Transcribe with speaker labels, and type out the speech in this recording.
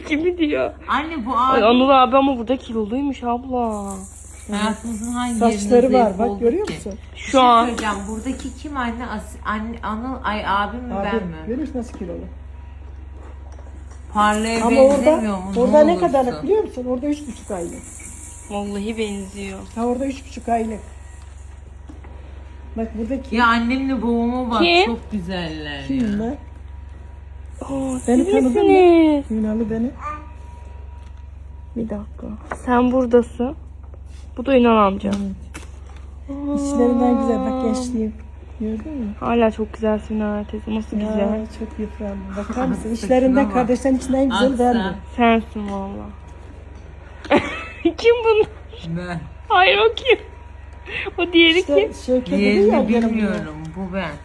Speaker 1: gibi diyor.
Speaker 2: Anne bu
Speaker 1: Ay,
Speaker 2: abi
Speaker 1: Anıl abi ama burada kiloluymuş abla.
Speaker 2: hayatımızın hangi
Speaker 3: Saçları
Speaker 2: yerinde
Speaker 3: var
Speaker 2: zayıf
Speaker 3: bak
Speaker 2: olduk
Speaker 3: görüyor
Speaker 2: ki?
Speaker 3: musun?
Speaker 2: Bir
Speaker 1: Şu
Speaker 2: şey
Speaker 1: an
Speaker 2: söyleyeceğim. Buradaki kim anne? Anne Anıl abim mi
Speaker 3: Abi
Speaker 2: ben mi?
Speaker 3: görüyor musun nasıl kilolu?
Speaker 2: Parlaya
Speaker 3: Ama orada,
Speaker 2: benzemiyor mu?
Speaker 3: orada ne
Speaker 2: olursun?
Speaker 3: kadarlık biliyor musun? Orada 3,5 aylık.
Speaker 1: vallahi benziyor.
Speaker 3: Ha orada 3,5 aylık. Bak buradaki
Speaker 2: Ya annemle babama bak
Speaker 1: Kim?
Speaker 2: çok güzeller ya.
Speaker 3: kim lan?
Speaker 1: Aa,
Speaker 3: Beni
Speaker 1: siz
Speaker 3: tanıdın mı?
Speaker 1: misiniz?
Speaker 3: Ünal'ı beni.
Speaker 1: Bir dakika. Sen buradasın. Bu da Ünal amca.
Speaker 3: İçlerinden güzel bak gençliğim. Gördün mü?
Speaker 1: Hala çok güzelsin ha teyze. Nasıl güzel.
Speaker 3: Ya çok yıprandım. Bakar mısın?
Speaker 2: Saçına
Speaker 3: İçlerinden
Speaker 2: bak.
Speaker 3: kardeşlerin içinden en güzel
Speaker 2: Aslan.
Speaker 3: verdi.
Speaker 1: Sensin valla. Kim bunlar?
Speaker 2: Ben.
Speaker 1: Hayır o kim? O diğeri kim?
Speaker 3: İşte Şevket dedi ya
Speaker 2: Diğerini
Speaker 3: yanımda.
Speaker 2: bilmiyorum. Bu ben.